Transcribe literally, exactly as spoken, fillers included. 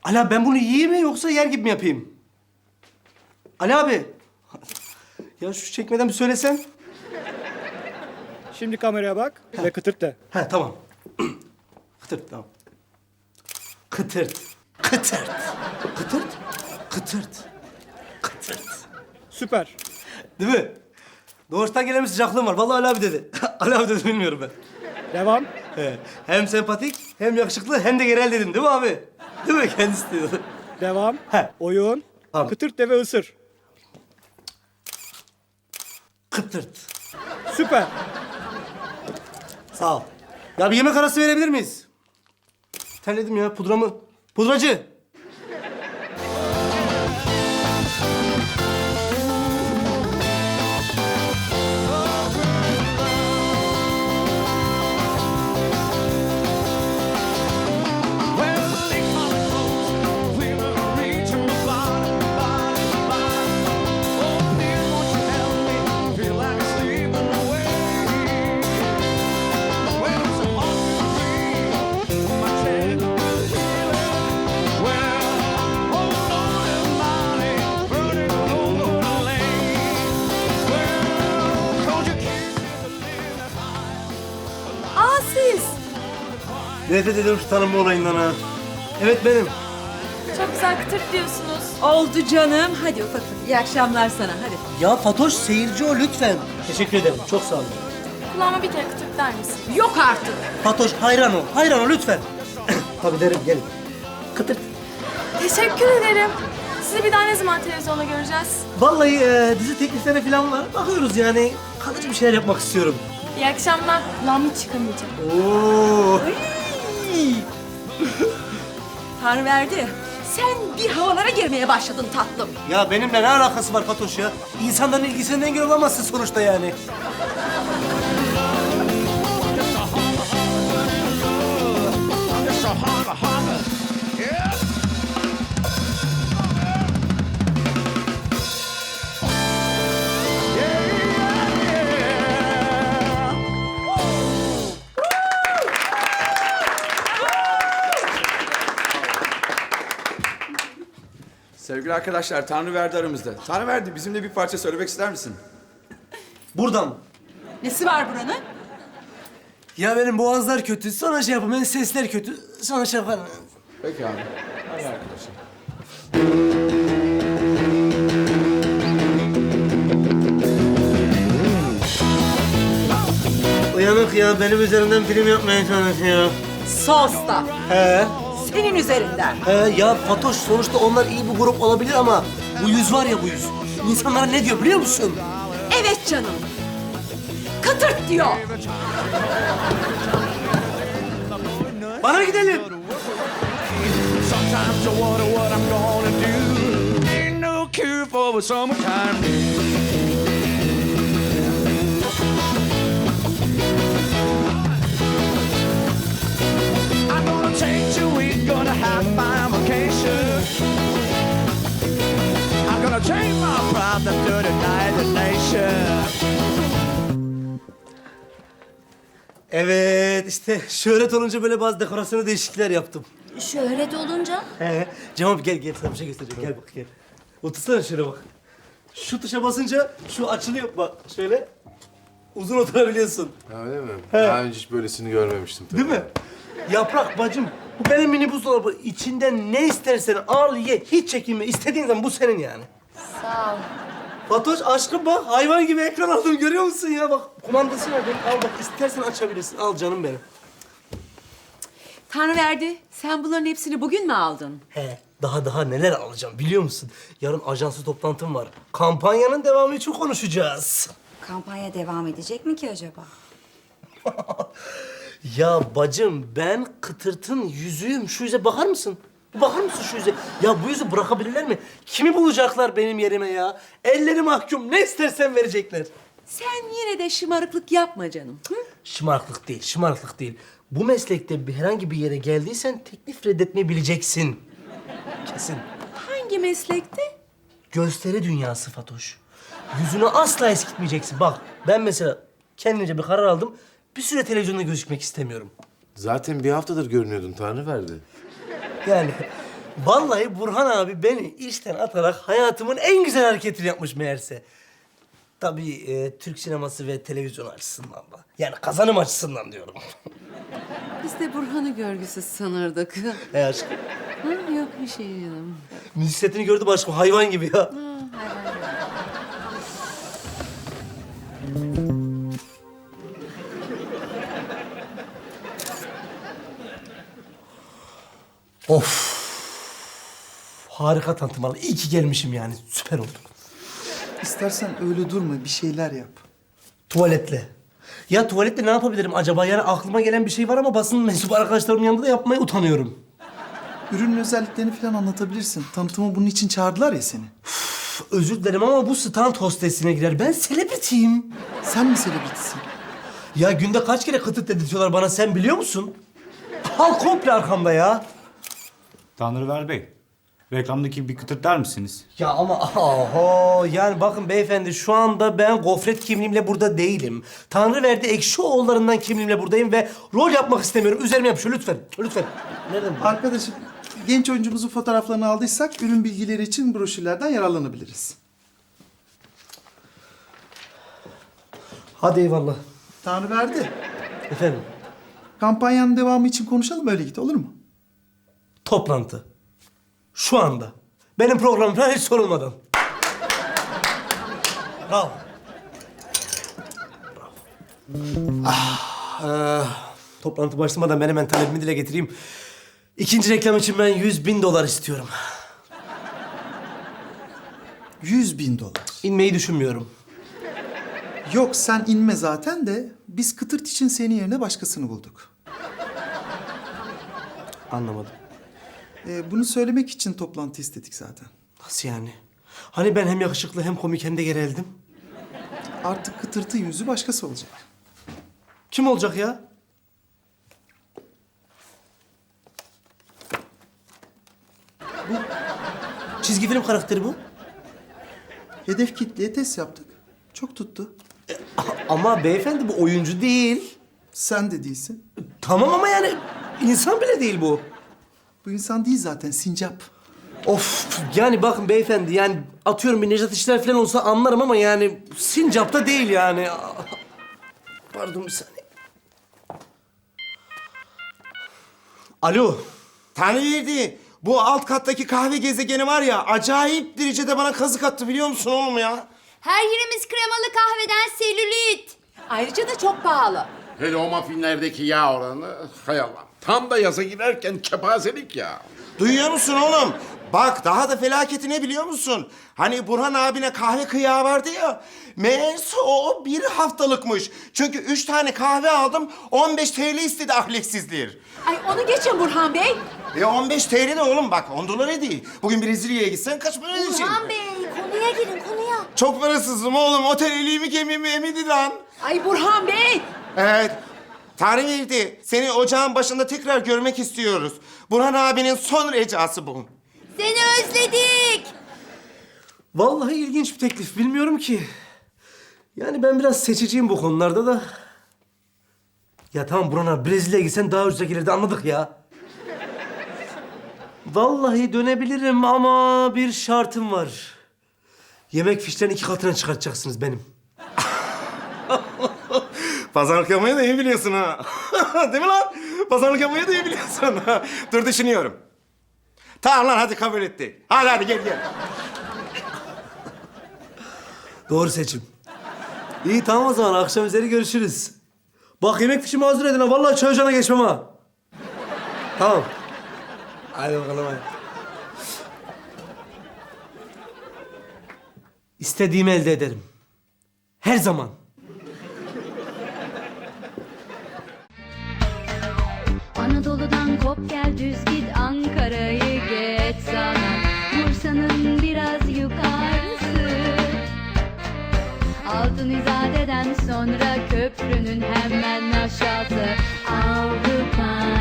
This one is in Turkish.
Ali abi ben bunu yiyeyim mi yoksa yer gibi mi yapayım? Ali abi. Ya şu çekmeden bir söylesen. Şimdi kameraya bak ve kıtırt de. He tamam. Kıtırt tamam. Kıtırt. Kıtırt. Kıtırt. Kıtırt. Kıtırt. Süper. Değil mi? Doğuştan gelen bir sıcaklığım var. Vallahi Ali abi dedi. Ali abi dedi bilmiyorum ben. Devam. He. Hem sempatik, hem yakışıklı, hem de genel dedim değil mi abi? Değil mi? Kendisi dedi. Devam. He. Oyun. Tamam. Kıtırt de ve ısır. Kıtırt. Süper. Sağ ol. Ya bir yemek arası verebilir miyiz? Terledim ya pudramı. Pudracı. Aa siz. Nefret ediyorum şu tanınma olayından ha. Evet benim. Çok güzel kıtırt diyorsunuz. Oldu canım. Hadi ufaklık. İyi akşamlar sana. Hadi. Ya Fatoş seyirci o lütfen. Teşekkür ederim. Çok sağ olun. Kulağıma bir kere kıtırt der misin? Yok artık. Fatoş hayran ol. Hayran ol lütfen. Tabii derim gelin. Kıtırt. Teşekkür ederim. Sizi bir daha ne zaman televizyonda göreceğiz? Vallahi e, dizi teklifleri falan var. Bakıyoruz yani. Kalıcı bir şeyler yapmak istiyorum. İyi akşamlar. Kulağım hiç çıkamayacak. Oo. Tanrı verdi. Sen bir havalara girmeye başladın tatlım. Ya benimle ne alakası var Fatoş ya? İnsanların ilgisinden engel olamazsın sonuçta yani. Sevgili arkadaşlar, Tanrıverdi aramızda. Tanrıverdi, bizimle bir parça söylemek ister misin? Buradan. Nesi var buranın? Ya benim boğazlar kötü. Sana şey yapayım. Benim sesler kötü. Sana şey yaparım. Peki abi. Hadi arkadaşlar. Uyanık ya. Benim üzerimden film yapmaya çalışıyor. Sosta. He. Senin üzerinden. He ya Fatoş sonuçta onlar iyi bir grup olabilir ama bu yüz var ya bu yüz. İnsanlara ne diyor biliyor musun? Evet canım. Kıtırt diyor. Bana gidelim. Sometimes I wonder what I'm gonna do. Ain't no cure for the summertime blues. I'm gonna take two weeks, gonna have my vacation. I'm gonna take my problem to the United Nations. Evet işte şöhret olunca böyle bazı dekorasyonu değişiklikler yaptım. Şöhret olunca? He. Cem abi gel gel sana bir şey göstereceğim. Gel bak gel. Otursana şöyle bak. Şu tuşa basınca şu açılıyor bak şöyle. Uzun oturabiliyorsun. Ha, öyle mi? Daha önce hiç böylesini görmemiştim tabii. Değil mi? Yaprak bacım. Bu benim mini buzdolabı. İçinden ne istersen al ye. Hiç çekinme. İstediğin zaman bu senin yani. Sağ ol. Fatoş aşkım bak hayvan gibi ekran aldım görüyor musun ya bak. Kumandası var benim. Al bak istersen açabilirsin. Al canım benim. Tanrı verdi. Sen bunların hepsini bugün mü aldın? He, daha daha neler alacağım biliyor musun? Yarın ajanslı toplantım var. Kampanyanın devamı için konuşacağız. Kampanya devam edecek mi ki acaba? Ya bacım ben Kıtırt'ın yüzüğüm. Şu yüze bakar mısın? Bir bakar mısın şu yüze? Ya bu yüzü bırakabilirler mi? Kimi bulacaklar benim yerime ya? Elleri mahkum. Ne istersen verecekler. Sen yine de şımarıklık yapma canım. Hı? Şımarıklık değil, şımarıklık değil. Bu meslekte bir herhangi bir yere geldiysen teklif reddetmeyi bileceksin. Kesin. Hangi meslekte? Gösteri dünyası Fatoş. Yüzünü asla eskitmeyeceksin. Bak ben mesela kendimce bir karar aldım. Bir süre televizyonda gözükmek istemiyorum. Zaten bir haftadır görünüyordun Tanrıverdi. Yani Vallahi Burhan abi beni işten atarak hayatımın en güzel hareketini yapmış meğerse. Tabii e, Türk sineması ve televizyon açısından da. Yani kazanım açısından diyorum. Biz de Burhan'ı görgüsüz sanırdık. He aşkım. Ha, yok bir şey canım. Müzik setini gördüm aşkım, hayvan gibi ya. Of. Harika tanıtmalı. İyi ki gelmişim yani. Süper oldu. İstersen öyle durma, bir şeyler yap. Tuvaletle. Ya tuvaletle ne yapabilirim acaba? Yani aklıma gelen bir şey var ama basın mensubu arkadaşlarımın yanında da yapmaya utanıyorum. Ürünün özelliklerini falan anlatabilirsin. Tanıtıma bunun için çağırdılar ya seni. Üf, özür dilerim ama bu stand hostesine girer. Ben selebritiyim. Sen mi selebritisin? Ya günde kaç kere kıtıt dedirtiyorlar bana, sen biliyor musun? Halk komple arkamda ya. Tanrıver Bey, reklamdaki bir kıtırt der misiniz? Ya ama oho, yani bakın beyefendi, şu anda ben gofret kimliğimle burada değilim. Tanrıverdi Ekşioğullarından kimliğimle buradayım ve rol yapmak istemiyorum. Üzerime yapışıyor lütfen, lütfen. Nereden bu? Arkadaşım, genç oyuncumuzun fotoğraflarını aldıysak ürün bilgileri için broşürlerden yararlanabiliriz. Hadi eyvallah. Tanrıverdi. Efendim, Kampanyanın devamı için konuşalım, öyle git, olur mu? toplantı. Şu anda. Benim programım falan hiç sorulmadan. Bravo. Bravo. Ah, e, toplantı başlamadan ben hemen talebimi dile getireyim. İkinci reklam için ben yüz bin dolar istiyorum. Yüz bin dolar. İnmeyi düşünmüyorum. Yok, sen inme zaten de biz kıtırt için senin yerine başkasını bulduk. Anlamadım. Ee, bunu söylemek için toplantı istedik zaten. Nasıl yani? Hani ben hem yakışıklı hem komik hem de gereldim. Artık kıtırtın yüzü başkası olacak. Kim olacak ya? Bu çizgi film karakteri bu. Hedef kitleye test yaptık. Çok tuttu. Ama beyefendi bu oyuncu değil. Sen de değilsin. Tamam ama yani insan bile değil bu. Bu insan değil zaten, sincap. Of, yani bakın beyefendi, yani atıyorum bir Nejat İşler falan olsa anlarım ama yani sincapta değil yani. Pardon bir saniye. Alo. Tanrıverdi, bu alt kattaki kahve gezegeni var ya, acayip derecede bana kazık attı, biliyor musun oğlum ya? Her yerimiz kremalı kahveden selülit. Ayrıca da çok pahalı. Hele o muffinlerdeki yağ oranı, hay Allah. Tam da yaza girerken kepazelik ya. Duyuyor musun oğlum? Bak, daha da felaketi ne biliyor musun? Hani Burhan abine kahve kıyağı vardı ya, meğerse o bir haftalıkmış. Çünkü üç tane kahve aldım, on beş TL istedi ahlaksizler. Ay onu geçin Burhan Bey. E on beş TL ne oğlum, bak on dolar değil. Bugün Brezilya'ya gitsen kaç para ödeyeceksin? Burhan Bey, konuya girin konuya. Çok parasızım oğlum, otel eliğimi kemiğimi emidi lan. Ay Burhan Bey. Evet. Tanrıverdi, seni ocağın başında tekrar görmek istiyoruz. Burhan abinin son ricası bu. Seni özledik. Vallahi ilginç bir teklif, bilmiyorum ki. Yani ben biraz seçiciyim bu konularda da. Ya tamam Burhan abi, Brezilya'ya gitsen daha ucuza gelirdi, anladık ya. Vallahi dönebilirim ama bir şartım var. Yemek fişlerini iki katına çıkartacaksınız benim. Pazarlık yapmayı da iyi biliyorsun ha. Değil mi lan? Pazarlık yapmayı da iyi biliyorsun. Dur düşünüyorum. Tamam lan, hadi kabul ettik. Hadi hadi gel gel. Doğru seçim. İyi tamam o zaman, akşam üzeri görüşürüz. Bak yemek fişimi hazır edin ha, vallahi çay ocağına geçmem ha. Tamam. Hadi bakalım hadi. İstediğimi elde ederim. Her zaman. Anadolu'dan kop gel düz git, Ankara'yı geç sana, Bursa'nın biraz yukarısı. Altın İzade'den sonra köprünün hemen aşağısı. Avrupa